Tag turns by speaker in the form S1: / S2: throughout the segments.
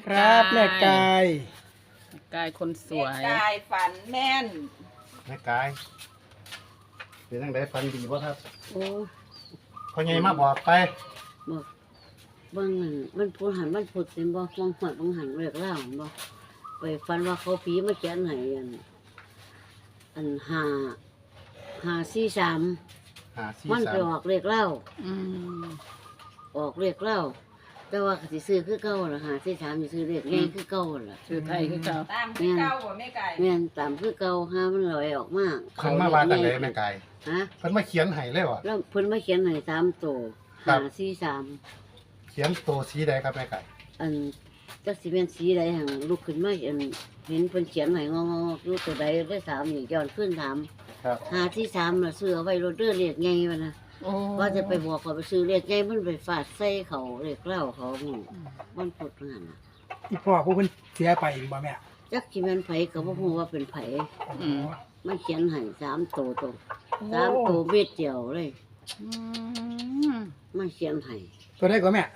S1: ครับแม่กาย
S2: คนสวย
S3: แม่กายฝันแม่น
S4: แม่กายเป็นจังไดฝันดีบ่ครับ
S5: โอ้
S4: พ่อใหญ่มาบอกไป
S5: บอกบางหันมันพูดหันมันพูดเป็นบ่มองหัวบางหันเรียกเล่าบ่ไปฟันว่าเขาผีมาเขียนให้อัน543 มันไปออกเรียกเล่า
S2: อืม
S5: ออกเรียกเล่าแต่ว่าสิซื้อคือเก่าล่ะ543สิซื้อเรียกใหญ่คือเก่าล่ะ
S2: ชื่อไทยคือเก่า
S3: ตามที่เก้าบ่แม่กาย
S5: แม่นตามคือเก่าหามันลอยออกมา
S4: เพิ่นมาว่าจังไดแม่กาย
S5: ฮะ
S4: เพิ่นมาเขียนให้เลยว่ะ
S5: แล้วเพิ่นมาเขียนให้3ตัว
S4: ครับ
S5: 543
S4: เขียนตัวสีใดครับแม่กาย
S5: อันจักสิเป็นสีใดหั่นลุกขึ้นมาเห็นเพิ่นเขียนให้งอๆอยู่ตัวใดได้3นี่ย้อนขึ้นถาม
S4: ครับ
S5: 543น่ะซื้อเอาไว้รถเด้อเรียกใหญ่ว่านะ
S2: โอ้
S5: ว่าจะไปบอกเขาไปซื้อเรียกใหญ่มันไปฟาดใส่เขาเรียกเล่าเขาหมู่มันพูดนั่นน่ะ
S1: อีพ่อผู้เพิ่นเสียไปบ่แม่
S5: จักสิแม่นไผก็บ่ฮู้ว่าเป็นไผ
S2: อืม
S5: มันเขียนให้3ตัวตรง3ตัวเม็ดเดียวเลย
S2: อืม
S5: มันเขียนให้
S1: ตัวได้ก็แม่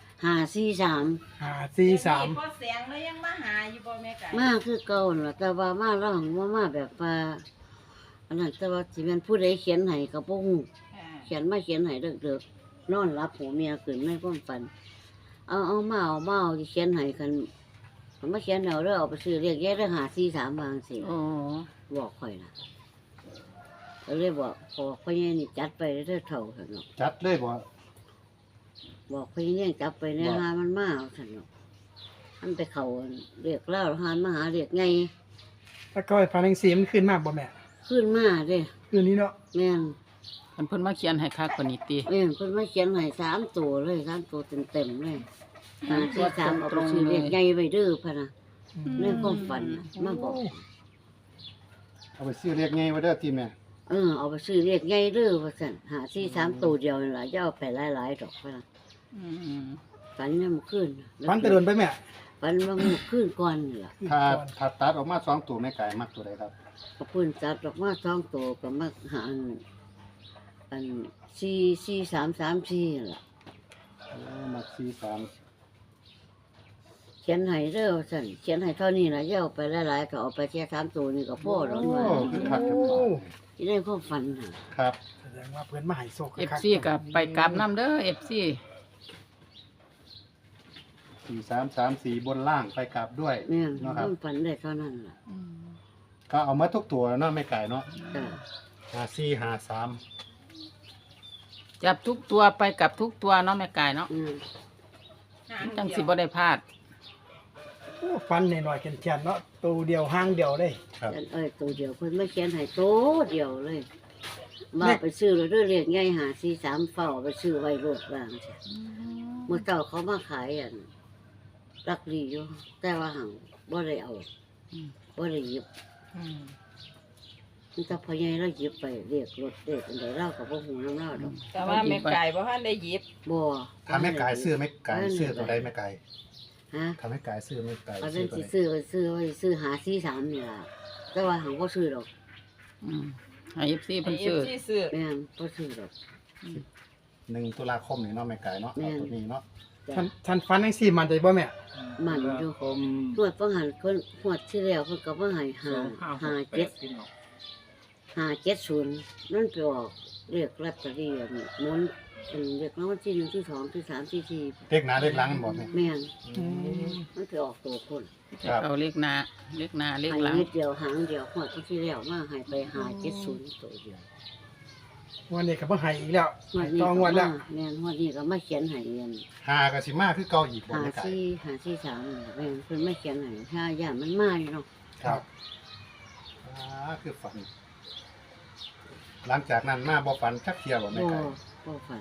S5: 543
S1: 543
S3: พอเสียงแล้วยังมาหาอยู่บ่แม่กาย
S5: มาคือเก่านั่นล่ะแต่ว่ามาร้องว่ามาแบบว่าอันนั้นแต่ว่าสิแม่นผู้ใดเขียนให้ก็บ่ฮู้
S3: ค่ะ
S5: เขียนมาเขียนให้เด็กๆนอนรับหัวเมียขึ้นในความฝันเอาที่เขียนให้กันมาเขียนเอาเด้อเอาไปซื้อเรียกแยกได้543บางสิ
S2: โอ้
S5: บอกข่อยน่ะก็เลยบอกพ่อใหญ่นี่จัดไปเด้อเท่าซั่นเนาะ
S4: จัดเลยบ่
S5: บอกพ่อใหญ่จับไปในหามันมาเอาซั่นเนาะมันไปเข้าเรียกเล่าหานมาหาเรียกไง
S1: แล้วก็ไอ้ฟันจังซี่มันขึ้นมาบ่แม่
S5: ขึ้นมาเด้
S1: คืนนี้เนาะ
S5: แม่น
S2: เพิ่นมาเขียนให้คักกว่านี้ติ
S5: แม่นเพิ่นมาเขียนให้3ตัวเลย3ตัวเต็มๆเลย543เอาไปซื้อเรียกใหญ่ไว้เด้อพะนะในความฝันน่ะมาบอก
S4: เอาไปซื้อเรียกไงไว้เด้อที่แม่
S5: เอาไปซื้อเรียกใหญ่เด้อว่าซั่น543ตัวเดียวนี่ล่ะอย่าเอาไปหลายๆดอกพะนะ
S2: อืม
S5: ฝันยามคืน
S1: ฟันตะโดนไปแม่
S5: ฝันว่ามื้อคืนก่อนนี่ล่ะ
S4: ถ้าตัดออกมา2ตัวแม่กายมักตัวใดครับ
S5: ก็เพิ่นจัดออกมา2ตัวก็มาหาอัน44334นั่นล่ะ
S4: มัก43
S5: เขียนให้เด้อว่าซั่นเขียนให้เท่านี้ล่ะอย่าเอาไปหลายๆก็เอาไปแค่3ตัวนี่ก็พอดอกว่า
S4: โอ้คือคักจัง
S1: โอ้
S5: ที่ได้ความฝันน่ะ
S4: ครับ
S1: แสดงว่าเพิ่นมาให้โชค
S2: เอฟซีกับไปกลับน้ำเด้อเอฟซี
S4: 4334บนล่างไปกลับด้วย
S5: แม่น
S4: เนาะค
S5: ครับ วามฝันได้เท่านั้นล่ะ
S4: ก็เอามาทุกตัวเนาะแม่กายเนาะ
S5: จ้ะ
S4: 5453
S2: จับทุกตัวไปกับทุกตัวเนาะแม่กายเนาะ
S3: หาง
S2: จัง
S3: เดี
S2: สิ
S3: ยว
S2: บ่ได้พลาด
S1: โอ้ฟันหน่อยๆแข็งๆเนาะตัวเดียวห้างเดียวเลย
S4: ครับ
S5: ตัวเดียวเพิ่นมาเขียนให้ตัวเดียวเลยมาไปซื้อแล้วด้วยเรียกใหญ่543เฝ้าไปซื้อไว้โลดว่าจังซี่เมื่อเจ้าเขามาขายรักดีอยู่แต่ว่าหังบ่ได้เอา
S2: อืม
S5: บ่ได้หยิบ
S2: อืม
S5: มันจะพอใหญ่เราหยิบไปเรียกรถเด็กอันใดเราก็บ่ฮู้นำเราดอก
S3: แต่ว่าแม่กายบ่ทันได้หยิบ
S5: บ่
S4: ถ้าแม่กายซื้อแม่กายซื้อตัวใดแม่กาย
S5: ฮะ
S4: ถ้าแม่กายซื้อแม่กาย
S5: อัน
S4: ซื้
S5: นั้
S4: อน ตัว
S5: สิ
S4: ใด
S5: ซื้อไว้ซื้อหา43นี่ล่ะแต่ว่าหังบ่ซื้อดอก
S2: อืมให้เอฟซี
S3: ให้
S2: เพิ่น
S3: เอ
S2: ซื้อ
S3: ฟซีซื้อ
S5: แม่นบ่ซื้อดอก
S4: 1ตุลาคมนี่เนาะแม่กายเนาะเอาตัวนี้เนาะ
S5: จ้ะ
S1: ท่านฟันจังซี่มันใจบ่แม่
S5: มันอยู่ตรวจฟังหันเพิ่นงวดที่แล้วเพิ่นก็มาให้570นั่นไปออกเรียกลอตเตอรี่อันนี้หมุนเป็นเรียกรางวัลที่1ที่2ที่3ที่4
S4: เลขหน้าเลขหลังมันบ่แม่
S5: แม่น
S1: อืม
S5: มันไปออกตัวคน
S4: ครับ
S2: เอาเลขหน้าเลขหน้าเลข
S5: ให้
S2: หลัง
S5: นิดเดียวหางเดียวงวดที่แล้วมาให้ไป570ตัวเดียว
S1: วันนี้ก็บ่ให้อีกแล้ว
S5: งวดนี้
S1: ต่องวดแล้ว
S5: แม่นงวดนี้ก็มาเขียนให้เรียน
S4: 5ก็สิมาคือเก่าอีกบ่แม่กาย
S5: 543แม่นเพิ่นมาเขียนให้ถ้าย่านมันมาอยู่เนาะ
S4: ครับคือฝัน หลังจากนั้นมาบ่ฝันจักเที่ยวบ่แม่
S5: บ่
S4: กาย
S5: บ่ฝัน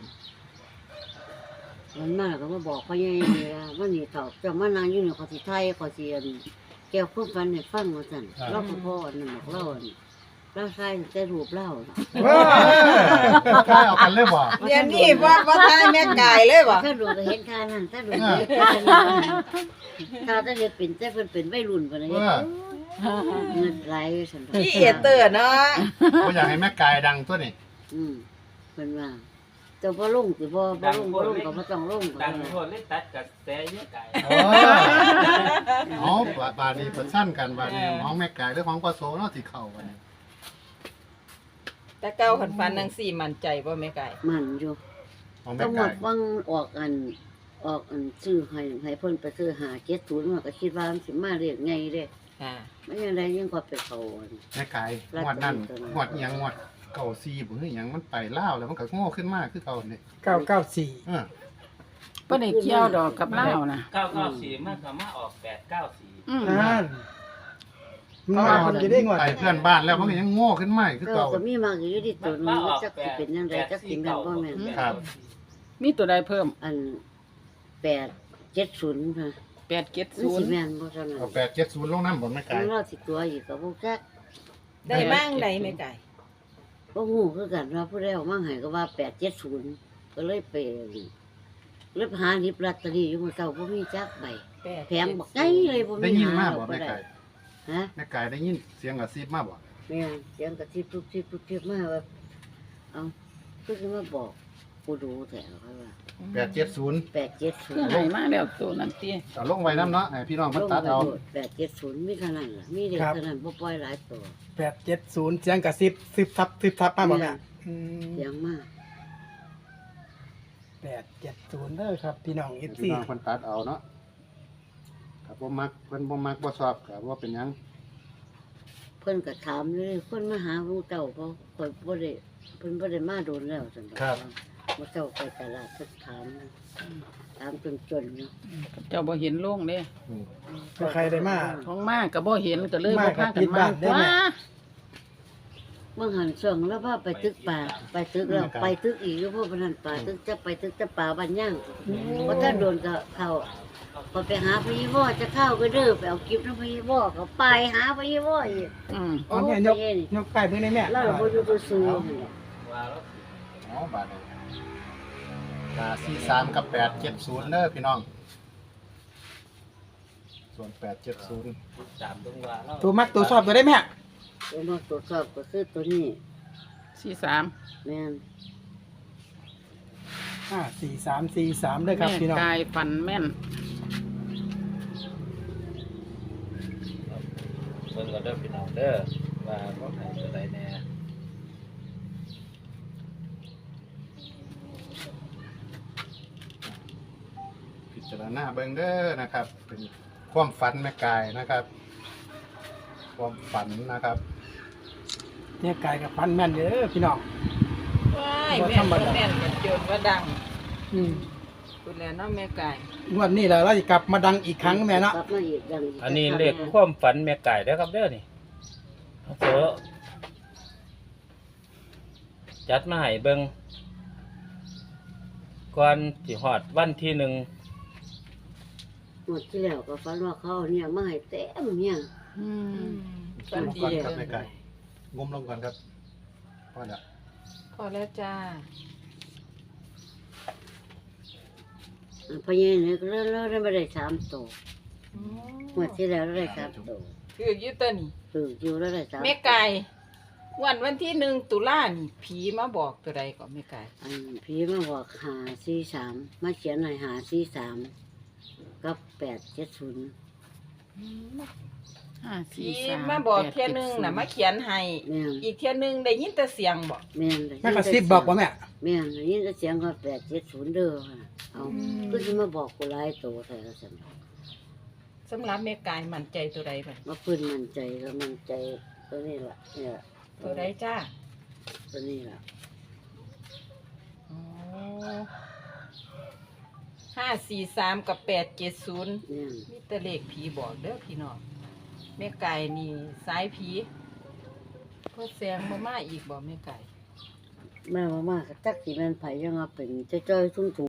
S5: มันมาก็มาบอกพ่อใหญ่ว่าวันนี้เฒ่าเจ้ามานั่งอยู่นี่ขอสิไทยขอสิอันแก้วความฝันให้ฟังว่าซั่นเราก็พ่ออันนั้นบอกเราอันเราใส่แต่รูปเราน่ะ
S4: ใช่เอากันเลยบ่
S3: เดี๋ยวนี้บ่ทายแม่กายเลยบ่
S5: ถ้าดูก็เห็นค่านั้นถ้าดูก็เห็นค่านั้นถ้าเฮ็ดเป็นแต่เพิ่นเป็นวัยรุ่นปานนี้
S4: เออ
S5: เงินไหลซั่น
S3: พี่เอเตอร์เนาะ
S4: บ่อยากให้แม่กายดังตัวนี้
S5: เพิ่นว่าเจ้าบ่ลงสิบ่ลงก็บ่ต้องลงก็
S6: ดัง
S5: ได้
S6: ทั่วเลยตัดกับแสเยอะไก่
S4: โอ้บาดนี้เพิ่นสั้นกันบาดนี้ของแม่ไก่หรือของพ่อโสเนาะสิเข้ากันนี้
S3: แต่เก้าขันฟันนังสี่มั่นใจบ่แม่ไก่
S5: มันอยู่
S4: ของ
S5: ก็
S4: แม่
S5: หม
S4: ไก่
S5: ดวังออกอันซื้อให้เพิ่นไปซื้อหา70มาก็คิดว่ามันสิมาเรียกไงเด้
S3: ค่ะ
S5: มันยังไดยังกว่าไปเขาอัน
S4: แม่ไก่งวดนั้นงวดอิหยังงวดเก่าซีบ่คือหยังมันไปลาวแล้วมันก็โง่ขึ้นมาคือเก่านี่
S1: 994
S4: เออ
S2: บ่ได้เกี่ยวดอกกับเล่าวนะ
S6: 994มันก็มาออก894
S2: อืม
S1: นั่นมันมาคนจะได้งวด
S4: ไปเพื่อนบ้านแล้วมันก็ยังโง่ขึ้นมาคือ
S5: ก็
S4: เก่า
S5: ก็มีมากอยู่ที่ตัวนึงจักสิเป็นจังไดจักสิแม่นบ่แม่น
S4: ครับ
S2: มีตัวใดเพิ่ม
S5: อัน870ค่ะมันสิ
S2: 870
S5: แม่นบ่เท่านั้น
S4: เอา870ลงน้ำบ่แม่ไก่
S5: มันรอสิตัวอีกก็บ่จัก
S3: ได้บ้างใดแม่ไก่
S5: บ่ฮู้คือกันว่าผู้ใดเอามาให้ก็ว่า870ก็เลยไปเลยหาหยิบลอตเตอรี่อยู่มื้อเช้าบ่มีจักใบแพงบักใหญ่เลยบ่
S4: ได้
S5: มี
S4: ยิน
S5: หา
S4: มา
S5: ด
S4: บ่
S5: อกบ่
S4: แม่
S5: ได้
S4: ไก่
S5: ฮะ
S4: แม่ไก่ได้ยินเสียงกระซิบมาบ่
S5: แม่นเสียงกระทิบทุบทิบทุบทิบมาว่าเอาคือสิมาบอกกูดูแท้เขาว่า
S4: 870
S5: 870
S2: ให้มาแล้วตัวนั้นติ
S4: เอาลงไว้น้ำเนาะให้พี่น้องเพิ่นตัดเอา
S5: 870มีเท่านั้นล่ะมีเด็กเท่านั้นบ่ปล่อยหลายตัว
S1: 870เสียงกระซิบซึบซับมาบ่แม่อืม
S5: เสียงมาก
S1: 870เด้อครับพี่น้อง FC
S4: พี่น้องเพิ่นตัดเอาเนาะครับบ่มักเพิ่นบ่มักบ่ชอบก็บ่เป็นหยัง
S5: เพิ่นก็ถามเลยคนมาหาผู้เจ้าเพราะข่อยบ่ได้เพิ่นบ่ได้มาโดนแล้วซั่นดอกผู้เจ้าไปตลาดเพิ่นถามนะถามจนๆเนาะ
S2: เจ้าบ่เห็นโล่งเด้
S4: อืม
S1: ถ้าใครได้มา
S2: ของมาก็บ่เห็นก็เลย
S1: มา
S2: บ่
S1: กั
S2: พา
S1: บ
S2: กัน
S1: ผิด
S2: มา
S1: บ้านได้ไหม
S2: ว้า
S5: เมื่อหันช่วงแล้วว่าไปตึกป่าไปตึกแล้วไปตึกอีกอยู่เพราะว่านั้นป่าตึกจะไปตึกจะป่าบ้านย่างเพราะถ้าโดนก็เข้าพอไปหาพญวอจะเข้าก็เด้อไปเอากิฟต์นำพญวอก็ไปหาพญวออีก
S2: อืม
S1: เอาแม่ยกไปเบิ่งได้แม่
S5: แล้วเราบ่อยู่ซื่อ
S6: ว่าแล้ว
S4: เอาบาดนี้ก็43กับ870เด้อพี่น้องส่วน870
S6: ตามตรงว่าแล้ว
S1: ตัวมักตัวชอบตัวได้แม่
S5: ตัวมาตรวจสอบก็คือตัวนี้
S2: 43
S5: แม่น
S1: 4343เด้อครับ
S2: แม่
S1: พี่น้อง
S2: กายฟันแม่น
S6: เบิ่งก็เด้อพี่น้องเด้อว่าบ่ให้ตัวใดแน่
S4: พิจารณาเบิ่งเด้อนะครับ เป็นความฝันแม่กายนะครับ ความฝันนะครับ
S1: เนี่ยกายกับฟันแม่นเด้อพี่น้อง
S3: ว้ายแม่นบ่แม่นกันจนว่าดัง
S1: อืม
S3: พูดแล้วเนาะแม่ไก่
S1: งวดนี้แหละเราจะกลับมาดังอีกครั้งแม่เนาะ
S5: กลับมาอีกดังก
S6: อันนี้เลขความฝันแม่ไก่เด้อครับเด้อนี่เอาเถอะจัดมาให้เบิ่งก่อนสิฮอดวันที่1
S5: หมดที่แล้วก็ฝันว่าเขาเอาเนี่ยมาให้เต็มเนี่ย
S2: อืม
S3: ฝันดี
S4: ก่อนครับแม่ไก่งมลงก่อนครับพอแล้ว
S3: พอแล้วจ้า
S5: พอใหญ่เนี่ยก็เริ่มไม่ได้3ตัว
S3: อืม
S5: หมดที่แล้วได้3ตัว
S3: คืออยู่ตัวนี้
S5: คืออยู่แล้วได้3
S3: แม่ไก่วันที่1ตุลานี่ผีมาบอกตัวใดก่อนแม่ไก่
S5: อันพี่มาบอก543มาเขียนให้543กับ870
S2: 5
S3: ผี
S2: 4 3
S3: มาบอกเที่ยหนึงน่ะมาเขียนให้
S5: แม่น
S3: อีกเที่ยหนึงได้ยินแต่เสียงบอก
S5: แม่น
S1: แม่กระซิบบอกว่าแม่
S5: แม่นได้ยินแต่เสียงก็870เด้อค่ะเอาก็สิมาบอกกูหลายตัวแท้ซั่น
S3: สำหรับแม่ไก่มั่นใจตัวใดบัด
S5: มาพื้นมั่นใจแล้วมั่นใจตัวนี้ล่ะเนี่ย
S3: ตัวใดจ้า
S5: ตัวนี้ล่ะ
S3: อ๋อ543กับ870
S5: เนี่ย
S3: มีแต่เลขผีบอกเด้อพี่น้องแม่ไก่นี่สายผีพอแสงบ่มาอีกบ่แม่ไก่
S5: แม่ว่ามาก็จักสิแม่นไผยังว่าเป็นจ้อยๆทุ่ง